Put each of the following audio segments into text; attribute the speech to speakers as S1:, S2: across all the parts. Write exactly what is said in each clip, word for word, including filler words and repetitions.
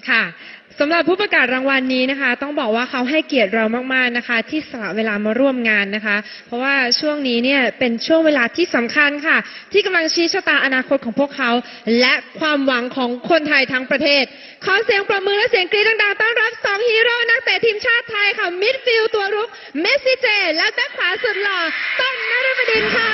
S1: ค่ะสำหรับผู้ประกาศรางวัลนี้นะคะต้องบอกว่าเขาให้เกียรติเรามากๆนะคะที่สละเวลามาร่วมงานนะคะเพราะว่าช่วงนี้เนี่ยเป็นช่วงเวลาที่สำคัญค่ะที่กำลังชี้ชะตาอนาคตของพวกเขาและความหวังของคนไทยทั้งประเทศขอเสียงปรบมือและเสียงกรี๊ดดังๆต้อนรับสองฮีโร่นักเตะทีมชาติไทยค่ะมิดฟิลด์ตัวรุกเมสซี่เจและแบ็คขวาสุดหล่อต้นนฤบดินทร์ค่ะ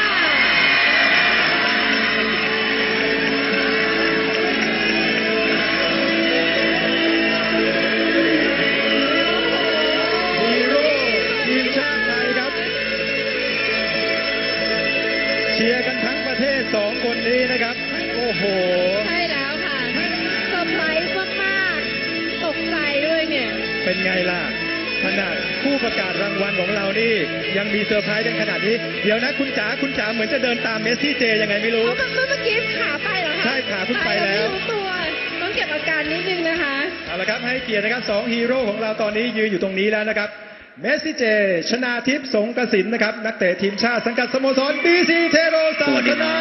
S2: เชียร์กันทั้งประเทศสองคนนี้นะครับโอ้โห
S1: ใช่แล้วค่ะเซอร์ไพรส์มากๆตกใจด้วยเนี่ย
S2: เป็นไงล่ะขนาดผู้ประกาศรางวัลของเรานี่ยังมีเซอร์ไพรส์กันขนาดนี้เดี๋ยวนะคุณจ๋าคุณจ๋าเหมือนจะเดินตามเมสซี่เจยังไงไม่รู้
S1: เมื่อกี้ขาไปเหรอคะ
S2: ใช่ขาคุณไปแล้ว
S1: ไม่รู้ตัวต้องเก็บอาการนิดนึงนะคะ
S2: เอาละครับให้เกียรตินะครับสองฮีโร่ของเราตอนนี้ยืนอยู่ตรงนี้แล้วนะครับเมสซี่เจชนาทิพย์สงกสินนะครับนักเตะทีมชาติสังกัดสโมสรบีซีเทโรศาสนา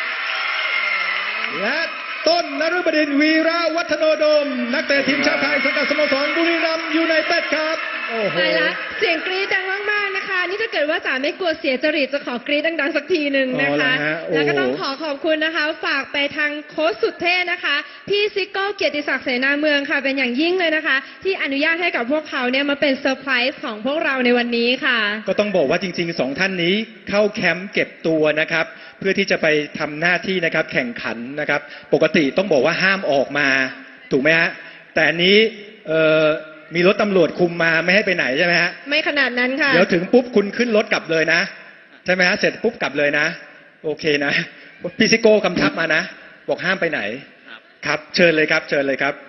S2: และต้นนฤบดินทร์วีระวัฒโนดมนักเตะทีมชาติไทยสังกัดสโมสรบุรีรัมย์ยูไนเต็ดครับโอ้โห
S1: ใช่ละเสียงกรี๊ดดังมากๆนะคะนี่ถ้าเกิดว่าจ๋าไม่กลัวเสียจริตจะขอกรี๊ดดังๆสักทีหนึ่งนะคะแล้วก็ต้องขอขอบคุณนะคะฝากไปทางโค้ชสุดเท่นะคะพี่ซิโก้เกียรติศักดิ์เสนาเมืองค่ะเป็นอย่างยิ่งเลยนะคะที่อนุญาตให้กับพวกเขาเนี่ยมาเป็นเซอร์ไพรส์ของพวกเราในวันนี้ค่ะ
S2: ก็ต้องบอกว่าจริงๆสองท่านนี้เข้าแคมป์เก็บตัวนะครับเพื่อที่จะไปทำหน้าที่นะครับแข่งขันนะครับปกติต้องบอกว่าห้ามออกมาถูกไหมฮะแต่อันนี้เอ่อมีรถตำรวจคุมมาไม่ให้ไปไหนใช่ไหมฮะ
S1: ไม่ขนาดนั้นค่ะ
S2: เดี๋ยวถึงปุ๊บคุณขึ้นรถกลับเลยนะใช่ไหมฮะเสร็จปุ๊บกลับเลยนะโอเคนะพี่ซิโก้กำชับมานะบอกห้ามไปไหนครับเชิญเลยครับเชิญเลยครับ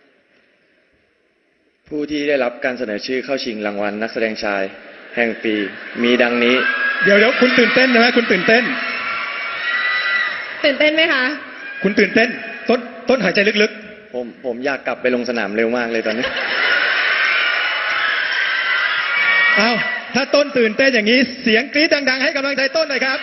S3: ผู้ที่ได้รับการเสนอชื่อเข้าชิงรางวัลนักแสดงชายแห่งปีมีดังนี้
S2: เดี๋ยวเดี๋ยวคุณตื่นเต้นนะฮะคุณตื่นเต้น
S1: ตื่นเต้นไหมคะ
S2: คุณตื่นเต้นต้นต้นหายใจลึก
S3: ๆผมผมอยากกลับไปลงสนามเร็วมากเลยตอนนี้
S2: อ้าวถ้าต้นตื่นเต้นอย่างนี้เสียงกรี๊ดดังๆให้กำลังใจต้นหน่อยครับ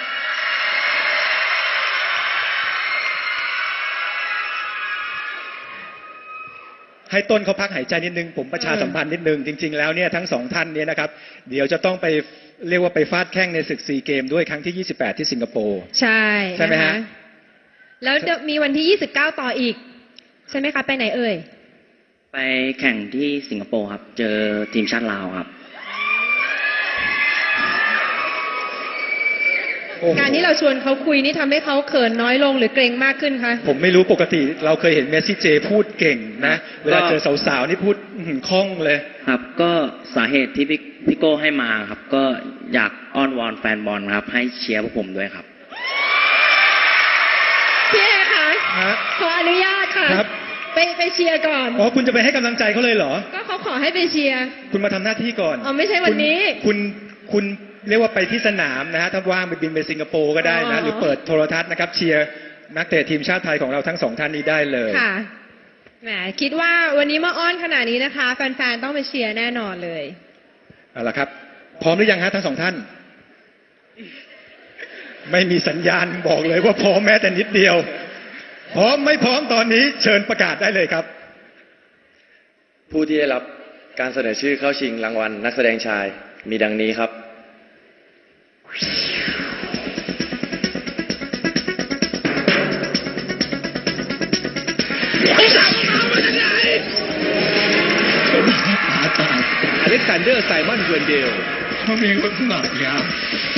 S2: ให้ต้นเขาพักหายใจนิดนึงผมประชาสัมพันธ์นิดนึงจริงๆแล้วเนี่ยทั้งสองท่านเนี่ยนะครับเดี๋ยวจะต้องไปเรียกว่าไปฟาดแข้งในศึกซีเกมด้วยครั้งที่ยี่สิบแปดที่สิงคโปร์
S1: ใช่
S2: ใช่ไหมฮะ
S1: แล้วมีวันที่ยี่สิบเก้าต่ออีกใช่ไหมคะไปไหนเอ่ย
S4: ไปแข่งที่สิงคโปร์ครับเจอทีมชาติลาวครับ
S1: การที่เราชวนเขาคุยนี่ทำให้เขาเขินน้อยลงหรือเกรงมากขึ้นคะ
S2: ผมไม่รู้ปกติเราเคยเห็นเมสซี่เจพูดเก่งนะเวลาเจอสาวๆนี่พูดคล่องเลย
S4: ครับก็สาเหตุที่พี่โก้ให้มาครับก็อยากอ้อนวอนแฟนบอลครับให้เชียร์พวกผมด้วยครับ
S1: พี่เอคะขออนุญาตค่ะไปไปเชียร์ก่อน
S2: อ๋อคุณจะไปให้กำลังใจเขาเลยเหรอ
S1: ก็เขาขอให้ไปเชียร์
S2: คุณมาทำหน้าที่ก่อน
S1: อ๋อไม่ใช่วันนี้
S2: คุณคุณเรียกว่าไปที่สนามนะฮะถ้าว่างไปบินไปสิงคโปร์ก็ได้นะหรือเปิดโทรทัศน์นะครับเชียร์นักเตะทีมชาติไทยของเราทั้งสองท่านนี้ได้เลย
S1: ค่ะแหมคิดว่าวันนี้มาอ้อนขนาดนี้นะคะแฟนๆต้องไปเชียร์แน่นอนเลย
S2: เอาละครับพร้อมหรือยังฮะทั้งสองท่านไม่มีสัญญาณบอกเลยว่าพร้อมแม้แต่นิดเดียวพร้อมไม่พร้อมตอนนี้เชิญประกาศได้เลยครับ
S3: ผู้ที่ได้รับการเสนอชื่อเข้าชิงรางวัลนักแสดงชายมีดังนี้ครับ
S5: อเล็กซานเดอร์ไซมอนเวนเดล
S6: เขามีคนสนับยาว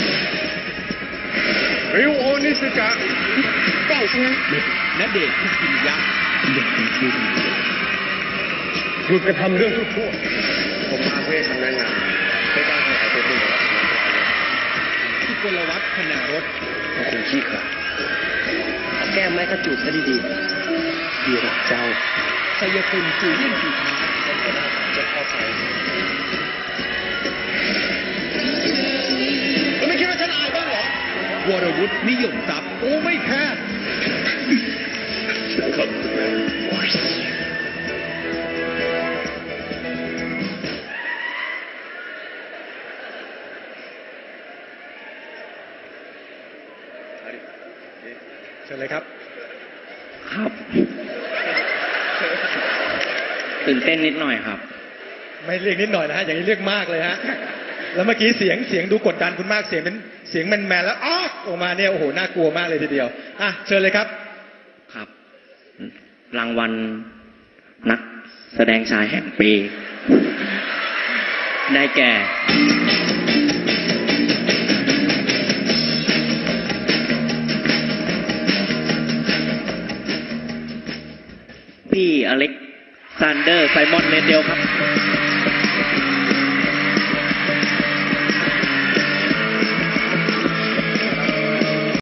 S5: ริวโอนิสกะ
S1: แต่ใช่ไหม
S5: ณเดชน์คุกิมิยะ
S6: เด็กเป็นที่ดี
S5: หยุดกระทำเรื่องชั่ว
S3: ผมมาเพื่อคำแนะนำในการขยายตัวคุณของ
S5: ที่กลวัฒน์ขนารถ
S3: คุณขี้ขลาดแก้มไม้กระจุดซะดีๆดีรักเจ้า
S5: ชัยคุณจูเลียนจูทา
S3: จะเข้าไป
S5: ไม่คิดว่าฉันอายบ้างเหรอวรวุฒินิยมทรัพย์โอ้ไม่แพ้
S2: เชิญเลยครับ
S4: ครับตื่นเต้นนิดหน่อยครับ
S2: ไม่เรียกนิดหน่อยนะฮะ อย่างนี้เรียกมากเลยฮะ แล้วเมื่อกี้เสียงเสียงดูกดดันคุณมาก เสียงเป็นเสียงแมนๆแล้วอ้อออกมาเนี่ยโอ้โหน่ากลัวมากเลยทีเดียว อ่ะเชิญเลยครับ
S4: ครับ รางวัลนักแสดงชายแห่งปี ได้แก่ พี่อเล็กซานเดอร์ไซมอนเลนเดลครับ